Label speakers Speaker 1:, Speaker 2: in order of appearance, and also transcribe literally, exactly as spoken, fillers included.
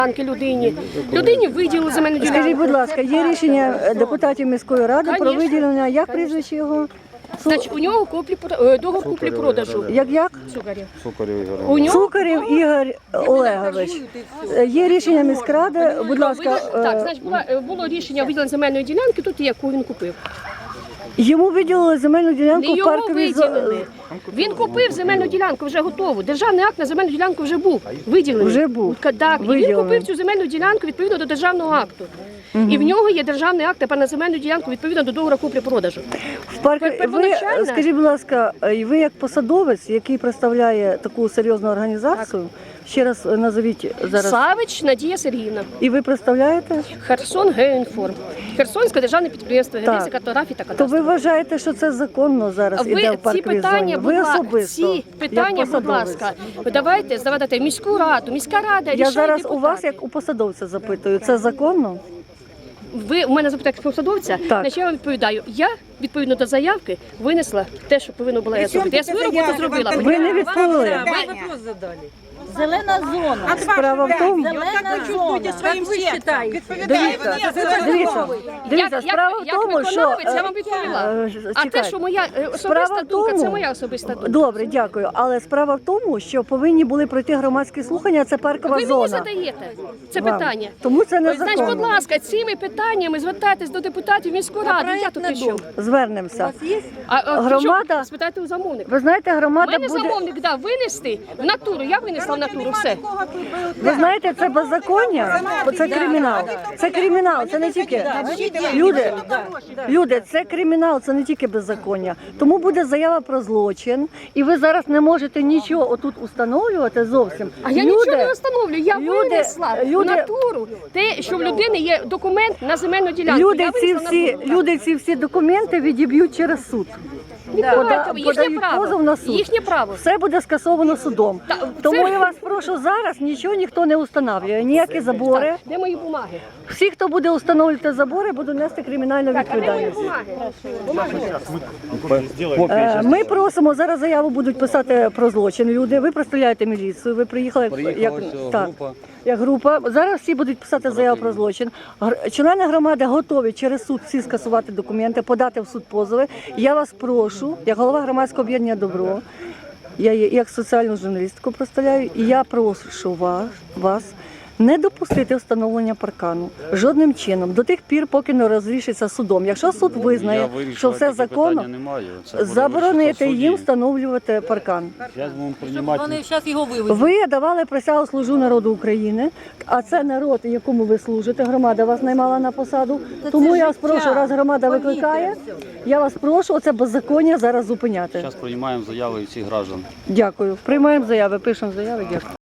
Speaker 1: Людині. Людині виділили земельну ділянку.
Speaker 2: Скажіть, будь ласка, є рішення депутатів міської ради про виділення, як прізвище його?
Speaker 1: Значить, у нього куплі, е, договор куплі-продажу.
Speaker 2: Як як?
Speaker 1: Цукарів.
Speaker 3: Цукарів Ігор.
Speaker 1: У нього
Speaker 2: Цукарів Ігор Олегович. Є рішення міськради, будь ласка,
Speaker 1: так,
Speaker 2: е,
Speaker 1: значить, була, е, було рішення виділення земельної ділянки, тут є, яку він купив.
Speaker 2: йому виділили земельну
Speaker 1: Не
Speaker 2: ділянку в
Speaker 1: його
Speaker 2: парковій
Speaker 1: виділили.
Speaker 2: зоні.
Speaker 1: Він купив земельну ділянку, вже готову. Державний акт на земельну ділянку вже був виділений.
Speaker 2: Вже був.
Speaker 1: Так, і він
Speaker 2: Виділений.
Speaker 1: купив цю земельну ділянку відповідно до державного акту. І в нього є державний акт тепер на земельну ділянку відповідно до договору куплі-продажу.
Speaker 2: В парку ви,
Speaker 1: Первоначально-
Speaker 2: скажіть, будь ласка, і ви як посадовець, який представляє таку серйозну організацію, ще раз назовіть зараз.
Speaker 1: Савич Надія Сергіївна.
Speaker 2: І ви представляєте?
Speaker 1: Херсон Геоінформ. Херсонське державне підприємство геодезії, картографії та
Speaker 2: То ви
Speaker 1: кадастру.
Speaker 2: вважаєте, що це законно зараз
Speaker 1: Ви
Speaker 2: іде в
Speaker 1: ці
Speaker 2: парковій
Speaker 1: питання,
Speaker 2: зоні?
Speaker 1: будь
Speaker 2: Ви
Speaker 1: ласка,
Speaker 2: особисто,
Speaker 1: ці питання,
Speaker 2: як
Speaker 1: будь
Speaker 2: посадовець.
Speaker 1: ласка, давайте здавайте в міську раду, міська рада
Speaker 2: Я
Speaker 1: рішає
Speaker 2: зараз
Speaker 1: депутати.
Speaker 2: у вас, як у посадовця, запитую, це законно?
Speaker 1: Ви у мене запитаєте як посадовця,
Speaker 2: Так.
Speaker 1: значить я вам відповідаю. Я, відповідно до заявки, винесла те, що повинно було я зробити. Я свою роботу зробила.
Speaker 2: Ви не відповіли.
Speaker 4: Зелена зона.
Speaker 2: Справа в тому,
Speaker 4: Зелена зона.
Speaker 5: своим сердцем.
Speaker 2: дивіться, дивіться, дивіться,
Speaker 1: Як-
Speaker 2: справа в
Speaker 1: як
Speaker 2: тому, що...
Speaker 1: виконавець, я вам відповіла.
Speaker 2: е,
Speaker 1: А те,
Speaker 2: чекайте.
Speaker 1: що моя е,
Speaker 2: Справа
Speaker 1: особиста
Speaker 2: в
Speaker 1: думка, це
Speaker 2: тому-
Speaker 1: моя особиста думка.
Speaker 2: Добре, дякую. Але справа в тому, що повинні були пройти громадські слухання, це паркова
Speaker 1: Ви мені
Speaker 2: зона.
Speaker 1: задаєте це
Speaker 2: Вам.
Speaker 1: питання.
Speaker 2: Тому це не
Speaker 1: Значить, будь
Speaker 2: законно.
Speaker 1: ласка, цими питаннями звертайтесь до депутатів міської ради. Я тут і що?
Speaker 2: Звернемося.
Speaker 1: А, а
Speaker 2: Громада-
Speaker 1: причому? Спитайте у замовника.
Speaker 2: Ви знаєте,
Speaker 1: У
Speaker 2: громада
Speaker 1: мене
Speaker 2: буде...
Speaker 1: замовник дав винести в натуру. Я винесла в натуру все.
Speaker 2: Ви знаєте, це беззаконня, це кримінал. Це кримінал, це не тільки... Люди, люди, це кримінал, це не тільки беззаконня. Тому буде заява про злочин, і ви зараз не можете нічого отут установлювати зовсім.
Speaker 1: А я
Speaker 2: Люди-
Speaker 1: нічого не встановлюю. Я
Speaker 2: люди-
Speaker 1: винесла в
Speaker 2: люди-
Speaker 1: натуру те, що в людини є документ на земельну ділянку.
Speaker 2: Люди
Speaker 1: Я
Speaker 2: ці
Speaker 1: винесла в
Speaker 2: всі,
Speaker 1: натуру.
Speaker 2: люди ці всі документи відіб'ють через суд.
Speaker 1: Відповідайте, їхнє
Speaker 2: Подають позов
Speaker 1: право.
Speaker 2: на суд.
Speaker 1: Їхнє право.
Speaker 2: Все буде скасовано судом.
Speaker 1: Та,
Speaker 2: Тому
Speaker 1: це-
Speaker 2: я вас прошу зараз, нічого ніхто не установлює, ніякі забори.
Speaker 1: Так, де мої бумаги?
Speaker 2: Всі, хто буде встановлювати забори, будуть нести кримінальну
Speaker 1: Так, а де мої
Speaker 2: відповідальність.
Speaker 1: бумаги? Бумаги.
Speaker 2: Е, Ми просимо, зараз заяву будуть писати про злочин люди. Ви представляєте міліцію, ви приїхали як,
Speaker 3: Приїхала
Speaker 2: як,
Speaker 3: ось
Speaker 2: так,
Speaker 3: група.
Speaker 2: як група. Зараз всі будуть писати заяву про злочин. Гр- Члени громади готові через суд всі скасувати документи, подати в суд позови. Я вас прошу, як голова громадського об'єднання «Добро», я є як соціальну журналістку представляю, і я прошу вас, вас не допустити встановлення паркану жодним чином до тих пір, поки не розрішиться судом. Якщо суд визнає, що все законно, заборонити їм встановлювати паркан.
Speaker 4: Вони зараз його вивезуть.
Speaker 2: Ви давали присягу служу народу України, а це народ, якому ви служите. Громада вас наймала на посаду. Тому я вас прошу, раз громада викликає, я вас прошу оце беззаконня зараз зупиняти.
Speaker 3: Зараз приймаємо заяви всіх граждан.
Speaker 2: Дякую. Приймаємо заяви, пишемо заяви. Дякую.